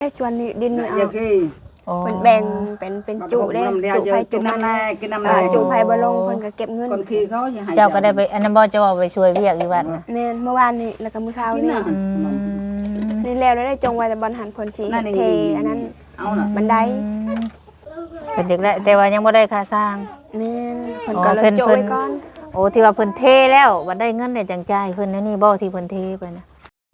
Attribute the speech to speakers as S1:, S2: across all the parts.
S1: ชวนดินเอาเป็นแบ่งเป็นจุได้จุไผ่จุมัน
S2: กินน้ำลาย
S1: จุไผ่บ่ลงเพิ่นก็เก็บเงิน
S2: คนขี้เขา
S3: เจ้าก็ได้ไปอันนั้นบ่เจ้าไปช่วยเวียกอยู่วัดน่ะ
S1: แม่นเมื่อวานนี้แล้วก็มื้อเช้านี่นี่แล้วได้จงไว้แต่บอลหันคนชี้เทอันนั้นบันได
S3: เพิ่นอยากได้แต่ว่ายังบ่ได้ค่าสร้าง
S1: แม่นเพิ่นก็เลยโจไว้ก่อน
S3: โอ้ที่ว่าเพิ่นเทแล้วบัดได้เงินได้จังจ่ายเพิ่นนี่บ่ที่เพิ่นเทไปนะ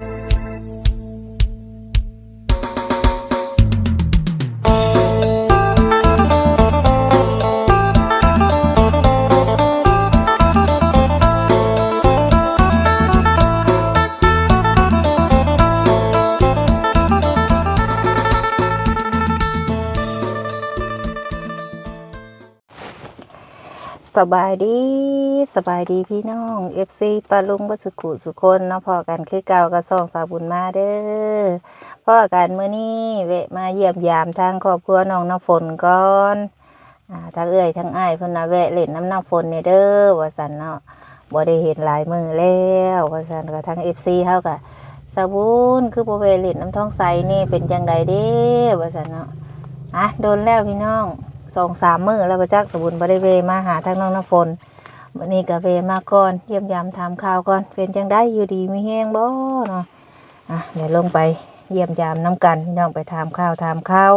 S3: สบายดีพี่น้อง FC ปาลุงบัดสุขุสุคนเนาะพอกันคือเก่าก็ส่องสาวบุญมาเด้อพอกันมื้อนี้แวะมาเยี่ยมยามทางครอบครัวน้องน้ำฝนก่อนทั้งเอื้อยทั้งอ้ายเพิ่นน่ะแวะเล่นน้ำฝนนี่เด้อว่าซั่นเนาะบ่ได้เห็นหลายมื้อแล้วว่าซั่นก็ทั้ง FC เฮาก็สาวบุญคือบ่แวะเล่นน้ำท้องใสนี่เป็นจังไดเด้ว่าซั่นเนาะโดนแล้วพี่น้อง2-3 มื้อแล้วบ่จักสบุญบ่ได้เวมาหาทางน้องน้ำฝนวันนี้ก็เวมาก่อนเยี่ยมยามถามข่าวก่อนเป็นจังได้อยู่ดีมีแห้งบ่เนาะเดี๋ยวลงไปเยี่ยมยามน้ำกันพี่น้องไปถามข่าวไป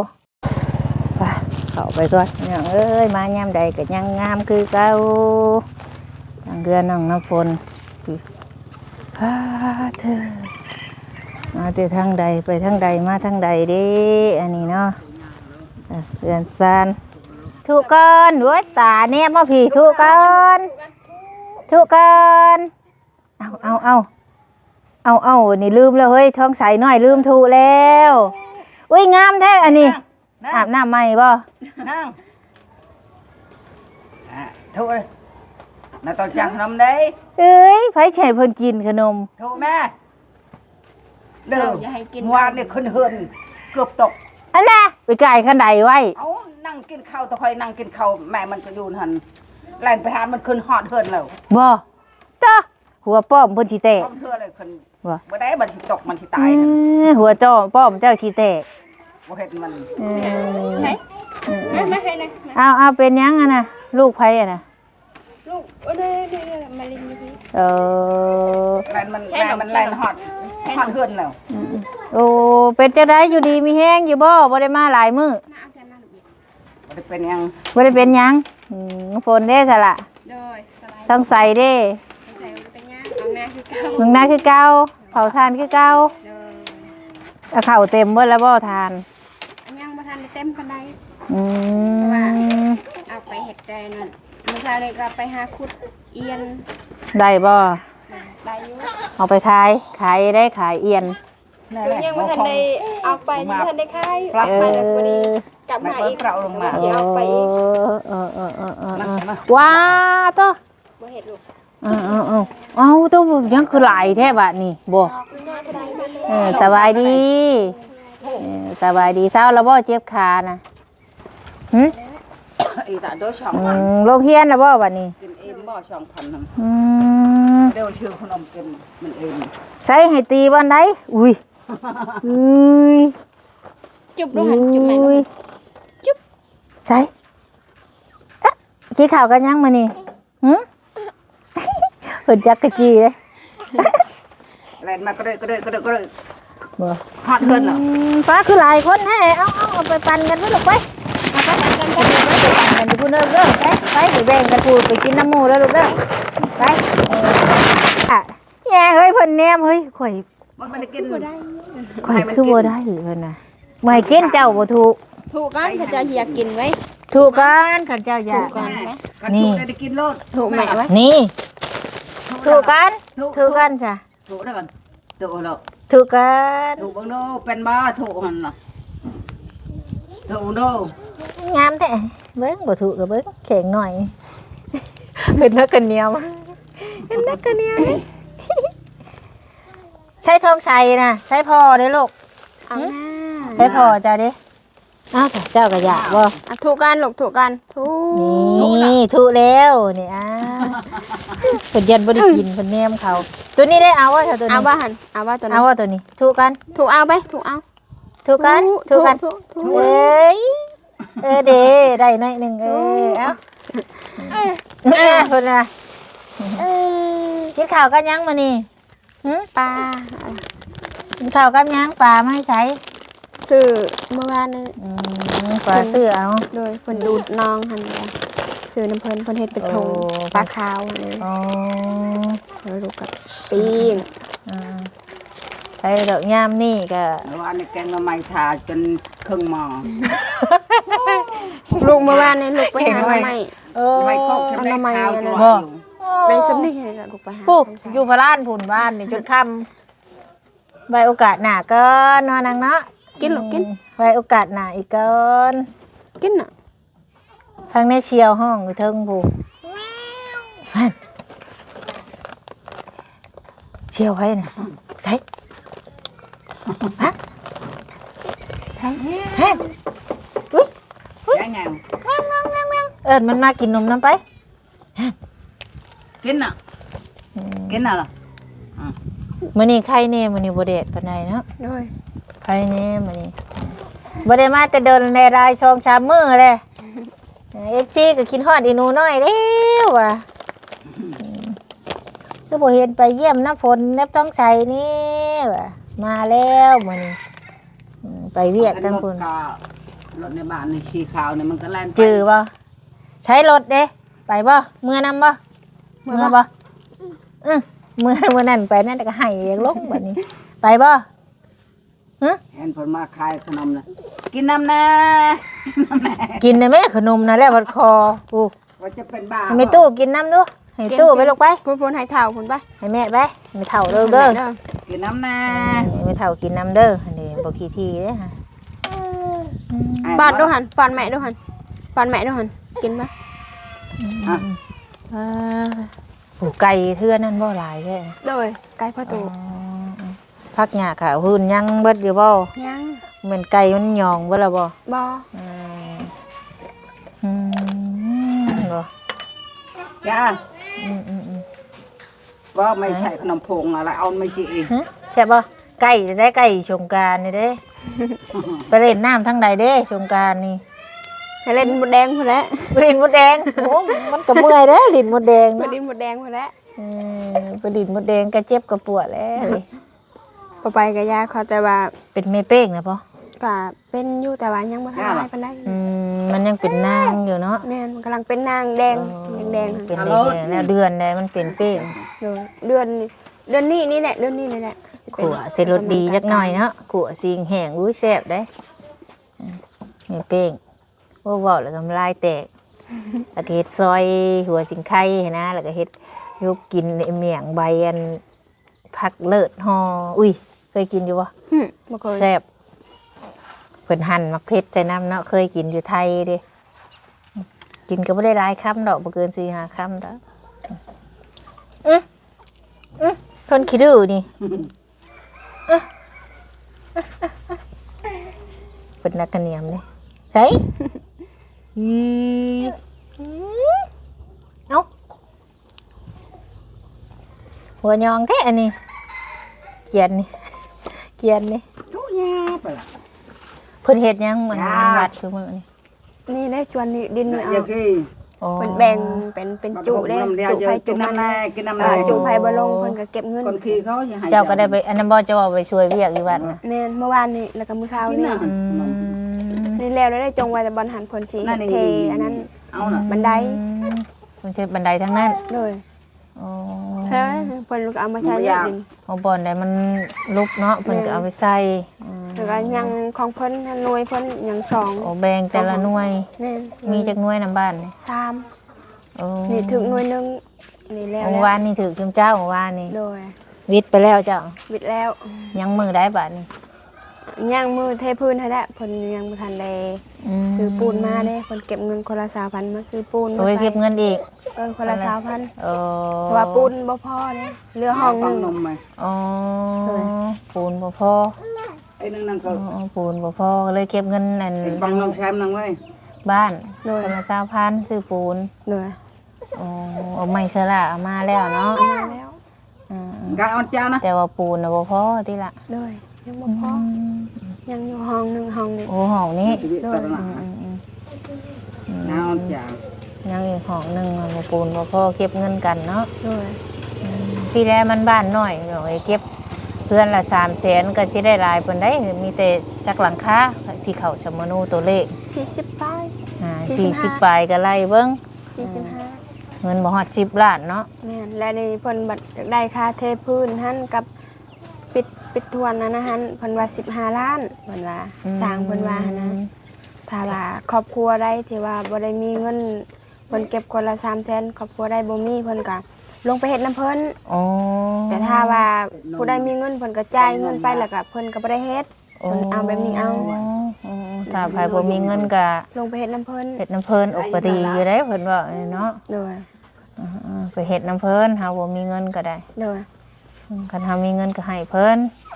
S3: เข้าไปก่อนพี่น้องเอ้ยมายามใดก็ยังงามคือเก่าทางเรือนน้องน้ำฝนเธอมาแต่ทางใดไปทางใดมาทางใดเด้อันนี้เนาะเรือนซานทุกคนด้วยตาเนี่ยมาผีทุกคนเอานี่ลืมแล้วเฮ้ยท้องใสหน่อยลืมถูแล้วอุ้ยงามแท้อันนี้อาบน้ำใหม่บ่
S2: นั่งถูเลยน่าต้องจังขนมได้
S3: เอ้ยไผแช่เพิ่นกินขนม
S2: ถูแม่เด้อวานนี่คนเฮือนเกือบตก
S3: อันน่ะไปไก่ขันใดไว้
S2: เอานั่งกินข้าวตะคอยนั่งกินข้าวแม่มันก็อยู่หันแล่นไปหามันขึ้นฮอดเฮือนแล้ว
S3: บ่จ้าหัวป้อมเพิ่นสิแตก
S2: เฮือนเลยขึ้นบ่ได้มันสิตกมันสิตาย
S3: หัวจ้อป้อมเจ้าสิแตก
S2: บ่เฮ็ดมัน
S1: ไหนมาให้นะ
S3: เอาเป็นยังอ่ะน่ะลูกไผอ่ะน่ะ
S1: ลูกเด้มาลินอยู่พี่
S2: แล่นมันแล่นฮอดเฮือนแล้ว
S3: โอ้เป็นจังได๋อยู่ดีมีแฮงอยู่บ่ได้มาหลายมื้อ
S2: บ่ได้เป็นหยัง
S3: บ่ได้เป็นหยังฝนเด้ซะล่ะต้องใส่เด้มึงหน้าคือเก่าเผาทานคือเก่าข้าวเต็มเบิดแล้วบ่ทาน
S1: ยังบ่ทันได้เต็มปานใดเอาไปเฮ็ดได้นั่นมื้อเช้านี้ก็ไปหาขุดเอียน
S3: ได้บ่
S1: ได้อยู่
S3: เอาไปขายได้ขายเอียน
S1: ยังบ่ทันได้เอาไปยังทันได้ขายมาแล้วพอดีกลับมาอีก
S2: เราลงมา
S1: เดี๋ยวเอาไปอีก
S3: ว้าตัว
S1: บ่เฮ็ดลูก
S3: เอาตัวยังคือหลายแท้บัดนี้บ่สบายดีเช้าแล้วบ่เจ็บขาน่ะ
S2: อีตาโดช่อง
S3: โรงเรียนแล้วบ่บัดนี้
S2: กินเองบ่ช่องพันนำเดี๋ยวชื่อขนมกินมันเอง
S3: ใส่ให้ตีบ้านใดอุ้ย
S1: จุบลูกหันจุบแม่จุบ
S3: ใส่กินข้าวกันยังมื้อนี้เพิ่นจักกะจีเด้
S2: แล่นมาก็ได้บ่ฮอดเพิ่นเหรอ
S3: ป้าคือหลายคนแท้เอาไปปั่นกันเด้อลูกไปเอาไปปั่นกันอยู่พุ่นเด้อไปแบ่งกันพูดไปกินน้ำหมูเด้อลูกเด้อไปแย่เฮ้ยเพิ่นแนมเฮ้ยข่อย
S2: มันไม่ได้กิน
S1: บ่ได้
S3: ข่อยคือบ่ได้เพิ่นน่ะไม่กินเจ้าบ่ถูก
S1: กันเขาจะอยากกินไว้
S3: ถูกกันเขาเจ้าอยาก
S2: นี่ได้กินโลด
S1: ถูกแม่ไว้
S3: นี่ถูกกันจ้ะ
S2: ถูกได้ก่อนถูกแล้ว
S3: ถูกกัน
S2: ถูกบังโนเป็นบ้าถูกมันน่ะถูกโน
S3: งามแท้เบิ่งบ่ถูกก็เบิ่งแข็งหน่อยเป็นนักกันเหนียวใช้ทองใส่น่ะใช้พอเด้ลูกใช้พอจ้ะเด้เจ้าก็อยากบ่
S1: ถูกกันลูกถูกกัน
S3: นี่ถูกแล้วนี่เพิ่นยันบ่ได้กินเพิ่นแนมเขาตัวนี้ได้เอาว่าตัวนี้
S1: เอาว่าหั่นเอาว่าตัวนี้
S3: เอาว่าตัวนี้ถูกกัน
S1: ถูกเอาไปถูกเอา
S3: ถูกกันถูกกัน
S1: ถูก
S3: เอ้ยเด้ได้หน่อยหนึงเอ้าเพิ่นน่ะกินข้าวกันยังมื้อนี้หึ
S1: ปลา
S3: กินข้าวกับยังปลามาให้ใช้
S1: ซื้อเมื่อวานนี้
S3: ปลาซื้อเอา
S1: โดยเพิ่นดูดน้องหั่นแหละซื้อน้ำเพิ่นเฮ็ดเป็นถุง
S3: โอ้
S1: ปลาขาวเลย
S3: อ๋อ
S1: แล้วลูกก็ปิ้ง
S3: ไปดอกยามนี่ก็
S2: แล้วอันนี้แกงละไม้ทาจนครึ่งหม้อ
S1: ลูกเมื่อวานนี้ลูกไปหาหน่อไม้
S2: ไม้ก็แค่ได้ข้าวตัว
S3: บ่
S2: อยู่
S1: ในสำนี่นี่แหละลูกไปหา
S3: ปุ๊บ
S1: จัง
S3: อยู่พระลานผุนบ้านนี่จนค่ำไว้โอกาสหน้าเกินนอนนังเนาะ
S1: กินลูกกิน
S3: ไว้โอกาสหน้าอีกเกิน
S1: กินน่ะ
S3: ทางในเชียวห้องอยู่เทิงผู้เชียวไว้น่ะใช่ฮะใช่ฮะอุ้ย
S2: ได้ไง
S3: เอิญมันมากินนมน้ำไป
S2: กินน่ะกินน่ะเหรอ
S3: มื้อนี้ไข่แน่มื้อนี้บ่แดดปานใดเนาะ
S1: โดย
S3: ไข่แน่มื้อนี้บ่ได้มาแต่เดินในราย2-3มื้อเลย FC ก็กินฮอดอีหนูน้อยแล้วว่ะก็บ่เห็นไปเยี่ยมน้ำฝนน้ำต้องใส่นี่ว่ะมาแล้วมื้อนี้ไปเวียกทั้งพุ่น
S2: รถในบ้านในขี้ขาวเนี่ยมันก็แล่นไป
S3: จื้อบ่ใช้รถเด้ไปบ่เมื่อนำบ่เมื่อบ่เมื่อนั้นไปนั่นก็ให้อยากลงบัดนี้ ไปบ่ฮะ
S2: เห็นผลมาขายขนมนะกินน้ำนะ
S3: กินได้ไหมขนมนะแล้วพัดคอกู
S2: ว่าจะเป็นบ้า
S3: ให้แม่ตู้กินน้ำดูให้ตู้ไปลูกไป
S1: พูนให้เท่าพุ่นไป
S3: ให้แม่ไปไม่เท่าเด้อเด้อ
S2: กินน้ำนะ
S3: ไม่เท่ากินน้ำเด้ออันนี้บ่ขี้ทีเด้อฮะ
S1: ปอนดูหันปอนแม่ดูหันปอนแม่ดูหันกินปะ
S3: ผูไก่เทื่อนั่นบ่หลายแท้
S1: โดยไก่พ่อตู่
S3: พักหญ้าขาวหุ่นยังเบิดอยู่บ่
S1: ยัง
S3: เหมือนไก่มันหยองเบิดแล้วบ่
S1: บอ
S3: บ่
S2: จ้าว่าไม่ใช่ขนมพงอะไรเอาไม่จีอีก
S3: ใช่บ่ไก่ได้ไก่สงกรานต์นี่เด้ ไปเล่นน้ำทั้งใดเด้สงกรานต์นี่
S1: ให้เล่นหมดแดงพุ่นแล้ว
S3: ลิ้นมดแดงโอ้มันก็เมื่อยเด้อลิ้นมดแดง
S1: ไป
S3: เนาะ
S1: เล่นหมดแดงพุ่นแล้ว
S3: ไปลิ้นมดแดงก็เจ็บก็ปวดแล้ว
S1: พอไปกับยาเขาแต่ว่า
S3: เป็นเมเป้งนะพ่อ
S1: ก็เป็นอยู่แต่ว่ายังบ่ทันได้ปานใด
S3: มันยังเป็นนางอยู่เนาะ
S1: แม่นกำลังเป็นนางแดงแดง
S3: เป็นแดงๆแล้วเดือนใดมันเป็นเป้ง
S1: โดยเดือนนี้นี่แหละเดือนนี้นี่แหละ
S3: ขัวเสร็จรสดีจักหน่อยเนาะขัวสิงแห้งอุ้ยแซ่บได้เมเป้งโอ้บอกแล้วก็ลายแตกแล้วก็เฮ็ดซอยหัวสิงไข่นะแล้วก็เฮ็ดยุบกินเมี่ยงใบอันผักเลิศห่ออุ้ยเคยกินอยู่บ่
S1: บ่เคย
S3: แซ่บเพิ่นหั่นมักเผ็ดใส่น้ำเนาะเคยกินอยู่ไทยเด้กินก็บ่ได้หลายคำดอกบ่เกิน4-5 คำดอกเพิ่นขี้ดื้อนี่เพิ่นนักกระเนียมเด้ใส่เอ้าหัวยองแท้อันนี้เกียนนี่
S2: ทุกยาไปละ
S3: เพิ่นเฮ็ดหยังเหมือนวัดคือมื้อนี่
S1: นี่ได้จวนนี่ดินนี่เอา
S2: อย่างที่
S1: เพิ่นแบ่งเป็นจุได้จุไผจุ
S2: กิน
S1: มัน
S2: น้ำแน่กินน้ำแน่
S1: จุไผบ่ลงเพิ่นก็เก็บเงิน
S2: คนขี้เขาอย่าให้
S3: เจ้าก็ได้ไปอันนั้นบ่เจ้าเอาไปช่วยเวียกอยู่วัดน่ะ
S1: แม่นเมื่อวานนี่แล้วก็มื้อเช้า
S2: กิน
S1: นี่
S2: น่ะ
S1: นี่แล้วได้จงไว้แต่บอลหันเพิ่นสิเทอันนั้น
S2: เอาน่ะ
S1: บันได
S3: มันใช่บันไดทั้งนั้น
S1: เลย
S3: อ๋อ
S1: เฮ้ยเพิ่นก็เอามาใช้เล่นดิน
S3: เอาบ่อนใดมันลุกเนาะเพิ่นก็เอาไปใส่อืม
S1: แล้วก็ยังของเพิ่นหน่วยเพิ่นยังสอง
S3: โอ้แบ่งแต่ละหน่วย
S1: แม่น
S3: มีจักหน่วยนำบ้านนี่
S1: สาม
S3: โอ้
S1: นี่ถึงหน่วยหนึงนี่แล้ว
S3: เมื่อวานนี่ถือจุมเจ้าเมื่อวานนี่
S1: โดย
S3: วิทย์ไปแล้วเจ้า
S1: วิดแล้ว
S3: ยังมือได้บาดนี่
S1: ย่างมือเทพื้นให้แล้วเพิ่นยังบ่ทันได้ซื้อปูนมาเด้เพิ่นเก็บเงินคนละ 2,000มาซื้อปูนมา
S3: โอ้ย
S1: ใส่
S3: เก็บเงินอีก
S1: คนละ 2,000
S3: โอ้
S1: เพราะว่าปูนบ่พอเด้เหลือห้องหนึง
S2: นมไหม
S3: อ๋อปูนบ่พอ
S2: ไอ้นั่นก็
S3: อ๋อปูนบ่พอก็เลยเก็บเงินนั่น
S2: บังนมแคมนั่งไว้
S3: บ้านคนละ20,000ซื้อปูน
S1: เหนื่อย
S3: อ๋อเอาไม้สละเอามาแล้วเนาะ
S1: มาแล้ว
S2: กายอ่อนจ้านะ
S3: แต่ว่าปูนน่ะบ่พอติละ
S1: เลยยังบ่พอยังอยู่ห้องหนึงห้องนี้
S3: โอ้ห้องนี้
S2: เตะหนังน้ำอย่าง
S3: ยังอีกห้องหนึงบ่ปูนบ่พอเก็บเงินกันเนาะ
S1: โดย
S3: ที่แรกมันบ้านน้อยเนาะไอ้เก็บเพื่อนละ300,000ก็สิได้หลายปานใดมีแต่จักหลังคาที่เขาชะมโนตัวเลข
S1: 40ปลาย
S3: 40ปลายก็ไล่เบิ่ง
S1: 45
S3: เงินบ่ฮอด10 ล้านเนาะ
S1: แม่นและในเพิ่นบัดได้ค่าเทพื้นหั่นกับปิดทวนนั้นนะหั่นเพิ่นว่า15ล้านเพิ่นว่าสร้างเพิ่นว่าหั่นนะถ้าว่าครอบครัวใดที่ว่าบ่ได้มีเงินเพิ่นเก็บคนละ300,000ครอบครัวใดบ่มีเพิ่นก็ลงไปเฮ็ดน้ำเพิ่น
S3: อ๋อ
S1: แต่ถ้าว่าผู้ใดมีเงินเพิ่นก็จ่ายเงินไปแล้วก็เพิ่นก็บ่ได้เฮ็ดเพิ่นเอาแบบนี้เอา
S3: ถ้าใครบ่มีเงินก็
S1: ลงไปเฮ็ดน้ำเพิ่น
S3: เฮ็ดน้ำเพิ่นอกก็ดีอยู่ได้เพิ่นว่าเนาะ
S1: โดย
S3: ไปเฮ็ดน้ำเพิ่นเฮาบ่มีเงินก็ได้
S1: โดย
S3: คันเฮามีเงินก็ให้เพิ่น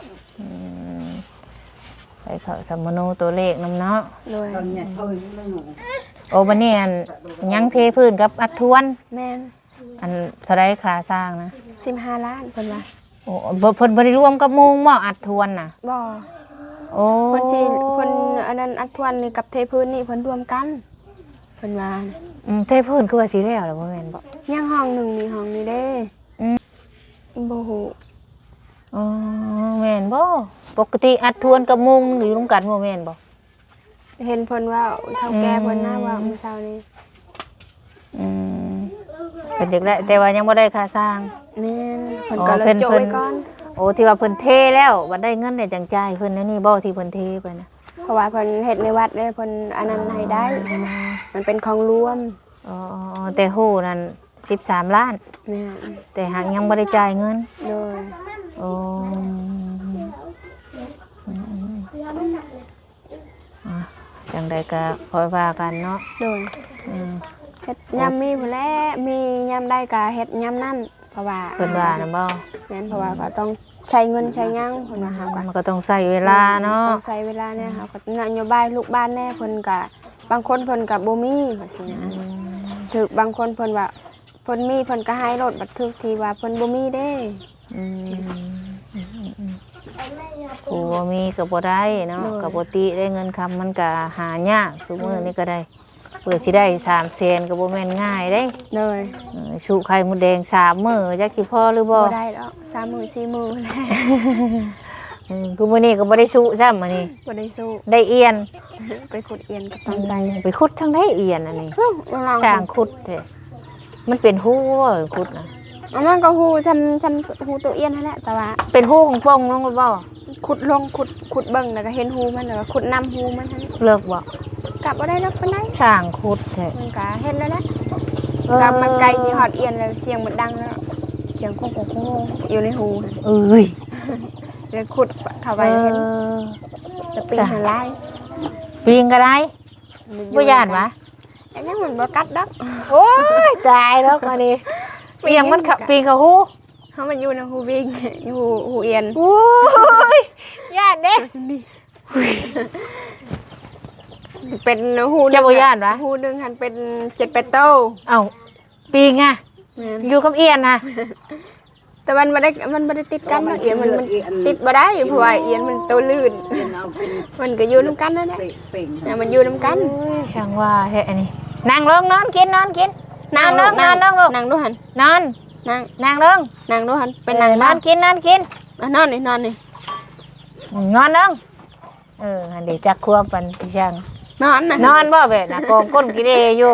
S3: ไปเข้าสมโนตัวเลขนำเนาะ
S1: โดย
S2: ตอนนี้เขาอยู่ไม่หนู
S3: โอ้บัดนี้อันยังเทพื้นกับอัดทวน
S1: แม่น
S3: อันเท่าใดค่าสร้างนะ
S1: 15ล้านเพิ่นว่า
S3: โอ้เพิ่นบ่ได้รวมกับมุงบ่อัดทวนน่ะ
S1: บ่
S3: โอ้
S1: เพิ่นสิเพิ่นอันนั้นอัดทวนนี่กับเทพื้นนี่เพิ่นรวมกันเพิ่นว่า
S3: เทพื้นคือว่าสิแล้วล่ะบ่แม่นบ่
S1: ยังห้องหนึงนี่ห้องนี้เด้บ่ฮู้
S3: อ๋อแม่นบ่ปกติอัดทวนกับมุงอยู่ร่วมกันบ่แม่นบ่
S1: เห็นเพิ่นว่าเฒ่าแก่เพิ่นน่าว่ามื้อเช้านี้
S3: เพิ่นอยากได้แต่ว่ายังบ่ได้ค่าสร้าง
S1: แม่นเพิ่น
S3: อ๋อ
S1: ก็เลย
S3: เพิ่น
S1: โจ
S3: เพิ่
S1: ย
S3: น
S1: ก่อน
S3: โอ้ที่ว่าเพิ่นเทแล้วบัดได้เงินได้จังจ่ายเพิ่นนี่บ่ที่เพิ่นเทไปนะ
S1: เพราะว่าเพิ่นเฮ็ดในวัดเด้เพิ่นอันนั้นให้ได้ มันเป็นของรวม
S3: อ๋อแต่ฮู้นั่น13 ล้าน
S1: แม่น
S3: แต่หากยังบ่ได้จ่ายเงิน
S1: โดย
S3: โอ้จังใดก็ค่อยว่ากันเนาะ
S1: โดย
S3: อืม
S1: เฮ็ดยามมีพุ่นแหละมียามใดก็เฮ็ดยามนั้นเพราะว่า
S3: เพิ่นว่านะบ่
S1: แม่นเพราะว่าก็ต้องใช้เงินใช้หยังเพิ่นว่าเฮาก็
S3: มันก็ต้องใช้เวลาเนาะ
S1: ต้องใช้เวลาเนี่ยเฮาก็นโยบายลูกบ้านแน่เพิ่นก็บางคนเพิ่นก็บ่มีว่าซี่นะถึกบางคนเพิ่นว่าเพิ่นมีเพิ่นก็ให้รถบัดทึกที่ว่าเพิ่นบ่มีเด้
S3: ผู้บ่มีก็บ่ได้เนาะก็บ่ติได้เงินคำมันก็หายากซุมื้อนี้ก็ได้เพื่อสิได้300,000ก็บ่แม่นง่ายเด้
S1: เลย
S3: ชูไข่มดแดง3มื้อจักสิพอหรือบ่
S1: บ่ได้ดอก3มื้อ4มื้อแล้ว
S3: คือมื้อนี้ก็บ่ได้ชูซ้ำมื้อนี้
S1: บ่ได้สู้
S3: ได้เอียน
S1: ไปขุดเอียนกับต้นไทร
S3: ไปขุดทางใดเอียนอันนี้
S1: ลอง
S3: ช่างขุดแท้มันเป็นหูบ่ขุดน่ะ
S1: มันก็ฮู้ฉันฮู้ตัวเอียนนั่นแหละแต่ว่า
S3: เป็นหูของป่องลงบ่
S1: ขุดลงขุดเบิ่งแล้วก็เห็นฮูมันแล้วก็ขุดนำฮูมันทั้ง
S3: เลิกบ่
S1: กลับบ่ได้ดอกปานใด
S3: ช่างขุดแท้
S1: มันก็เห็นแล้วแหละกับมันไกลสิฮอดเอียนแล้วเสียงมันดังแล้วเสียงโค้งๆอยู่ในหู
S3: เอ้ย
S1: เดี๋ยวขุดเข้าไปเห็นจะปีนหาลาย
S3: ปีงก็ได้บ่ย่านวะ
S1: อันนี้มันบ่กัดดอก
S3: โอ้ยตายแล้วอันนี้เปียงมันขับปีงเข้าหู
S1: เฮามันอยู่ในหูวิ่งอยู่หูเอียน
S3: โอ้ยย่านเด้
S1: ซุมดีเป็นหู
S3: จะบ่ย่านวะ
S1: หูนึงหันเป็น7-8โต
S3: เอ้าปีงอ่ะ
S1: แม่น
S3: อยู่กับเอียนน่ะ
S1: แต่มันบ่ได้ติดกันเอียนมันติดบ่ได้เพราะว่าเอียนมันตัวลื่น
S2: เอาเป็น
S1: มันก็อยู่นำกันนั่นแหละ
S2: เป่ง
S1: เนี่ยมันอยู่นำกัน
S3: โอ้ยช่างว่าแท้อันนี้นั่งลงนอนกินนอนกิน
S1: นั่ง
S3: นอนนอนนอนลูก
S1: นั่งดูหัน
S3: นอน
S1: นั่ง
S3: นั่งลง
S1: นั่งดูหันเป็นนั่ง
S3: น
S1: น
S3: อ
S1: อน น
S3: กินนอนกิน
S1: นอนนี่นอนนี่
S3: นอนลงอันเดี๋ยวจักควบปันพี่ช่าง
S1: นอนน่ะ
S3: นอนบ่แบบน่ะกองก้นกิเลอยู่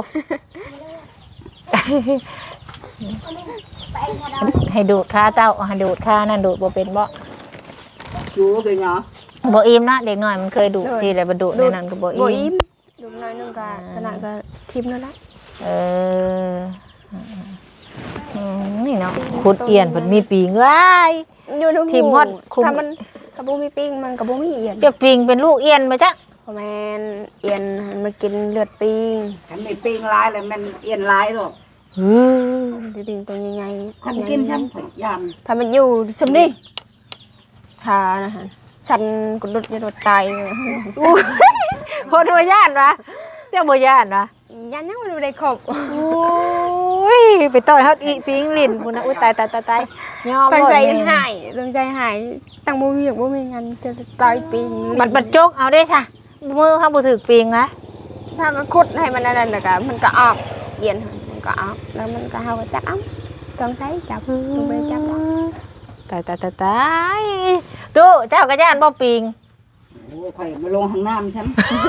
S3: ให้ดูดขาเต้าให้ดูดขานั่นดูดบ่เป็นบ่
S2: chú cái nhỏ
S3: บ่อิ่มนะเด็กน้อยมันเคยดูดสิแล้วบ่ดูดในนั้นก็บ่
S1: บ่
S3: อิ่
S1: อิ่
S3: ม
S1: มดูหน่อยนึงก็ขนาดก็ทิ่มแล้วละ
S3: เออนี่เนาะขุดเอียนเพิ่นมีปีงเอ้ย
S1: อยู่ในหู
S3: ทิ่มฮอดคุม
S1: ถ้ามันถ้าบ่มีปิ้งมันก็บ่มีเอียน
S3: จะปิงเป็นลูกเอียนมาจ๊ะ
S1: เพราะแม่นเอียนมันกินเลือดปิ้ง
S2: cái này pin lái là mình yên lái rồi
S1: ดิปิงตัวใหญ่ๆ
S2: không kiên chăm phải dàn
S1: ถ้ามันอยู่ซุมนี่ถ้านะฮะฉันก็ดุดจะโดดตาย
S3: คนบ่ย่านวะเจ้าบ่ย่านวะ
S1: ยันยังมันบ่ได้ครบ
S3: โอ้ยอุ้ยไปต่อยเฮาอีปิงลิ้นพุ่นน่ะอุ้ยตายยอม
S1: ตั้ง
S3: บ่
S1: ใจ
S3: แม่
S1: หายตั้งใจหายตั้งบ่มีบ่มีงานจะต่อยปิง
S3: บัดจกเอาได้ซะมือเฮาบ่ถึกปิงนะ
S1: ถ้าก็ขุดให้มันนั่นแล้วก็มันก็ออกเย็นมันก็ออกแล้วมันก็เฮาก็จับเอาต้องใช้จับลงไปจับเอา
S3: ตายตู้เจ้าก็ย่านบ่ปิง
S2: โอ้ข่อยมาลงห้องน้ำฉัน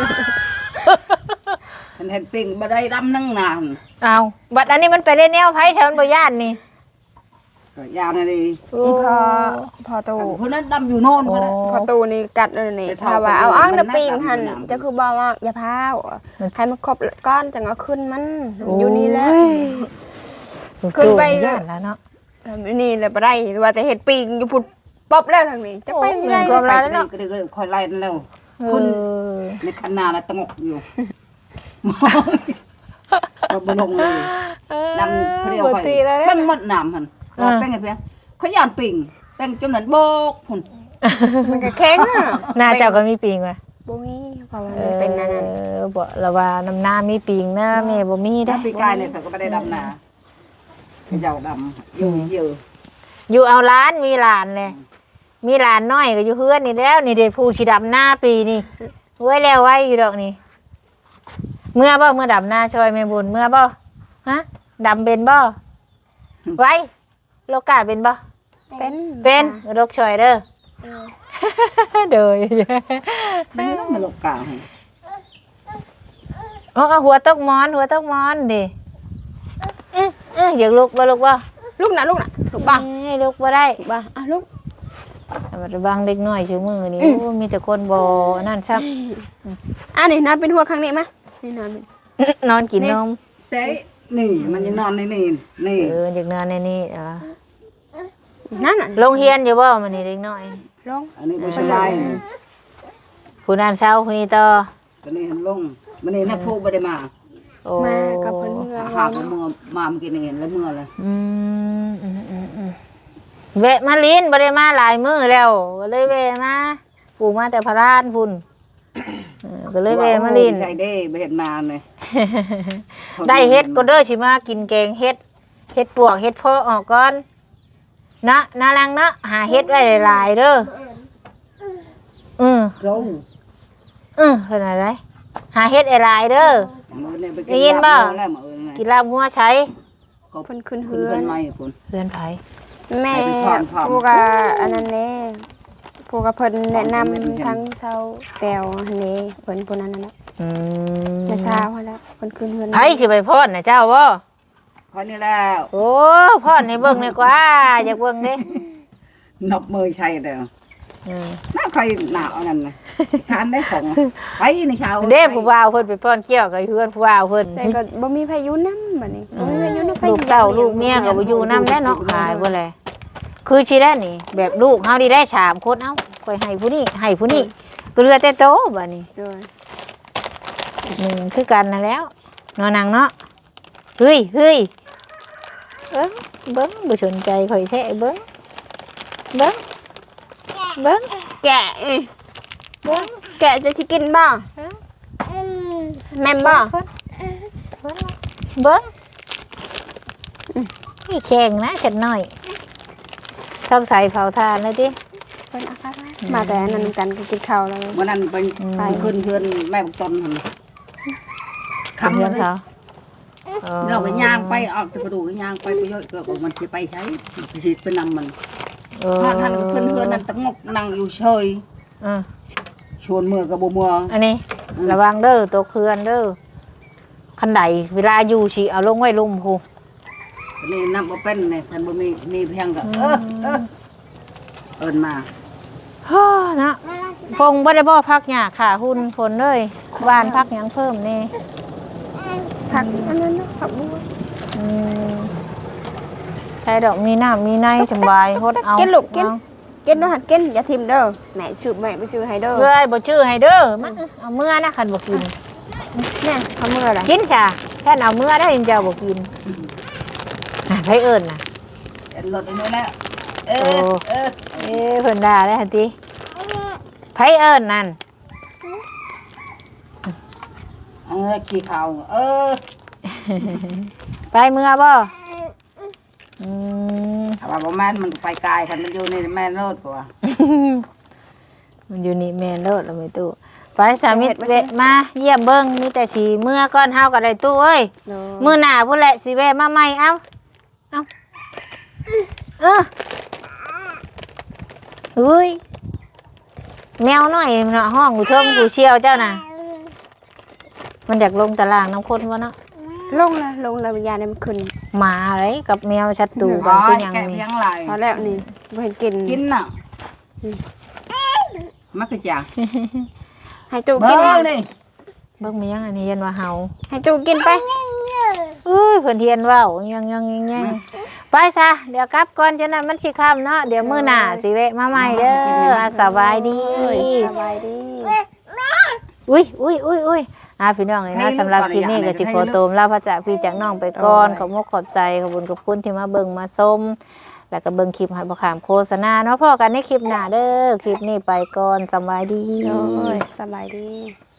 S2: ฉันเห็นปิ่งบ่ได้ดำนั่งนาน
S3: เอาบัดอันนี้มันไปเล่นแนวไผใช่มันบ่ย่านนี่
S2: ก็ยาวนะดิ
S1: อีพอตู
S2: คนนั้นดำอยู่โน่นคนนั้น
S1: พอตูนี่กัดเลยนี่
S2: ไป
S1: ถ้า
S2: เผา
S1: ว่า
S2: ไป
S1: เอา
S2: ดู
S1: อ้าง
S2: มัน
S1: เดปิง
S2: น่า
S1: หัน
S2: ดำ
S1: จะคือบอกว่าอย่าพาวให้มันครบก้อนจังเอาขึ้นมันอยู่นี่แหละ ขึ้นไป
S3: ย่านแล้วเนาะ
S1: นี่เลยบ่ได้ว่าจะเห็ดปิงอยู่พุดป๊อบแล้วทางนี้จะไปที่ไหน
S3: โอ้ย
S2: ไปก็ได้คอยไล่นั่นแล้วคุณในคันนาแล้วตะงกอยู่ก็บ่ลงเลยดำเที่ยว
S3: บ่
S2: ไป
S3: ตีแล้ว
S2: เป้งหมดน้ำหั่นว่าเป้งไงเพียงเขาย่านปิ่งเป้งจนนั้นโบกหุ่น
S1: มันก็แข็งอ่ะ
S3: หน้าเจ้าก็มีปิงว่ะ
S1: บ่มีเพราะว่ามันเป็นนั่นนั่น
S3: บ่ละว่าน้ำหน้ามีปิงนะแม่บ่มี
S2: ได้
S3: ได้
S2: ปีกายเนี่ยเขาก็ไม่ได้ดำนาเจ้าดำอยู่เยอะ
S3: อยู่เอาร้านมีหลานเลยมีหลานน้อยก็อยู่เฮือนนี่แล้วนี่เด้ผู้สิดำหน้าปีนี่ไว้แล้วไว้อยู่ดอกนี่เมื่อบ่เมื่อดำหน้าช่วยแม่บุญเมื่อบ่ฮะดำเป็นบ่ไว้โลกาเป็นบ่ เป็นโรคช่วยเด้อเด้อ
S2: ไม่ต้องมาลงกลาง
S3: เอาหัวตกหมอนดิอยากลุกบ่ลุกบ่
S1: ลูกลูกบ้าง
S3: ให้ลุกบ่ได้
S1: ลูกบ้างลูก
S3: แต่บางเด็กน้อยชื่อมือนี่โอ้มีแต่คนบ่นั่นซับ
S1: นี่นอนเป็นหัวข้างนี้มั้ยนี่นอน
S3: นอนกินนม
S2: เจ๊นี่มันจะนอนในนี่นี่
S3: อยากนอนในนี่
S1: นั่นน่ะ
S3: โรงเรียนอยู่บ่มื้อนี้เด็กน้อย
S1: ลง
S2: อันนี้ไม่ใช่ได้
S3: ผู้นั้นเช้าผู้นี้ต่อ
S2: อันนี้หันลงมันนี่นักพูไม่ได้มา
S3: โอ้
S1: มากับเพิ่นเมื่อ
S2: หาเมื่อมาเมื่อกี้นี่เห็นแล้วเมื่อเลย
S3: แวะมาลิ้นบ่ได้มาหลายมื้อแล้วก็เลยแวะมาปู่มาแต่พระราชพุ่นก็เลยแวะมาลิ้น
S2: ใจเด้ไปเห็นมาเลย
S3: ได้เฮ็ดก็เด้อสิมากินแกงเฮ็ดปวกเฮ็ดเพาะออกก่อนนะนาลังเนาะหาเฮ็ดไว้หลายๆเด้อ
S2: โจ้
S3: เพิ่นอะไรหาเฮ็ดหลายๆเด้อ ได้ยินบ่ กินลาบงัวใช้
S1: เพิ่นขึ้น
S2: เฮื
S1: เฮื
S2: อ
S1: อน น
S2: ไม่คุณ
S3: เพื่อนไผ
S1: แม่ผู้ก็อันนั้นแน่ผู้ก็เพิ่นแนะนำทั้งเซาแต้วอันนี้เพิ่นผู้นั้นน่ะ จะเช้าแล้วคนคืนเฮือน
S3: ไผสิไปพอดน่ะเจ้าบ่
S2: พอนี่แล้ว
S3: โอ้พอดให้เบิ่งดีกว่าอยากเบิ่งเด้
S2: นบมือใช่เด้อน่าใครหนาวนั่นนะทานได้ของไปในเช้า
S3: เด้ผู้บ่าวเพิ่นไปป้อนเกี้ยวกับเพื่อนผู้บ่าวเพิ่น
S1: แต่ก็บ่มีพายุนำบัดนี้บ่มีพายุนำ
S3: ลูกเต้าลูกเมียก็บ่อยู่นำแน่เนาะหายบ่แลคือสิได้นี่ แบบลูกเฮานี่ได้3คนเอ้าค่อยให้ผู้นี้ให้ผู้นี้ก็เหลือแต่โตบัดนี้
S1: ด้วย
S3: คือกันนั่นแล้วนอนนังเนาะเฮ้ยเบิ้งบ่สนใจข่อยแท้เบิ้ง
S1: แกะแกะจะสิกินบ่แม่นบ่
S3: เบิ้งนี่แข่งนะฉันหน่อยชอบใส่เผาทานเลยจิ
S1: เพิ่นเอาคักมาแต่อันนั้นกันก็กินข้าวแล้ว
S2: วันนั้นไปขึ้นเพื่อนแม่บุกตนหัน
S3: คำเพื่อนเขา
S2: เราก็ย่างไปออกกระดูกย่างไปเยอะเกือบมันจะไปใช้สิไปนำมันท่านก็ขึ้นเพื่อนนั่นตะงกนั่งอยู่เฉยชวนมือกับมือ
S3: อันนี้ระวังเด้อตัวเคือนเด้อคันใดเวลาอยู่สิเอาลงไว้ลุ่มพู
S2: นี่น้ำบ่เป็นเนี่ยท่านบ่มีเพียงก็เอิ้นมา
S3: ฮ่านะพงบ่ได้บ่พักหญ้าขาหุ่นฝนเลยหวานพักหยังเพิ่มนี่
S1: ผักอันนั้นผักบัว
S3: ใช้ดอกมีน้ำมีในสบายฮดเอา
S1: กินลูกกินกินเนาะหัดกินอย่าทิ่มเด้อแม่ชื่อแม่บ่ชื่อให้เด้อ
S3: เอ้ยบ่ชื่อให้เด้อมาเอาเมื่อนะคันบ่กิน
S1: แม่เขามื้ออะไร
S3: กินจ้ะแค่เอาเมื่อได้เจ้าบ่กินไผเอิ้นน่ะ
S2: รถอันนี้แล้ว
S3: เพิ่นด่าได้หั่นติไผเอิ้นนั่น
S2: ขี้ขาว
S3: ไปเมื่อบ่อืม
S2: ถ้าว่าบ่แม่นมันไปไกลคันมันอยู่ในแม่นโลดกว่า
S3: มันอยู่นี่แม่นเลิศแล้วไม่ตู้ไปสามิตรเวะมาเยี่ยมเบิ่งมีแต่สิเมื่อก่อนเฮาก็ได้ตู้เอ้ย
S1: โดย
S3: มื้อหน้าพุ่นแหละสิแวะมาใหม่เอ้าเออเฮ้ยแมวน้อยเนาะห้องกูเทิงกูเชี่ยวเจ้าน่ะมันอยากลงตารางน้ำข้นวะเนาะ
S1: ลงแล้ววิญญาณมันขึ้น
S3: หมาอะไรกับแมวชัดตู
S2: อ๋
S3: กั
S2: อน
S3: คือหยัง
S2: แกะ
S3: นี่
S2: เพียงหลาย
S1: พอแล้วนี่บ่เห็นกิน
S2: กินน่ะมันคือจ้ะ
S1: ให้จู
S2: เบิ่
S1: กิน
S2: งดิ
S3: เบิ่งมีหยังอันนี้ยันว่าเฮา
S1: ให้จูกินไป
S3: เอ้ยเพิ่นเทียนเว้ายังไปซะเดี๋ยวกลับก่อนจังนั้นมันสิค่ำเนาะเดี๋ยวมื้อหน้าสิแวะมาใหม่เด้ออ่ะสบายดี
S1: สบายดี
S3: อุ้ยพี่น้องเลยนะสำหรับคลิปนี้ก็สิขอโตมลาพระจากพี่จากน้องไปก่อนขอบมุกขอบใจขอบคุณขอบคุณที่มาเบิ่งมาชมแล้วก็เบิ่งคลิปให้บ่ขามโฆษณาเนาะพอกันในคลิปหน้าเด้อคลิปนี้ไปก่อนสบายดี
S1: โอ้ยสบายดี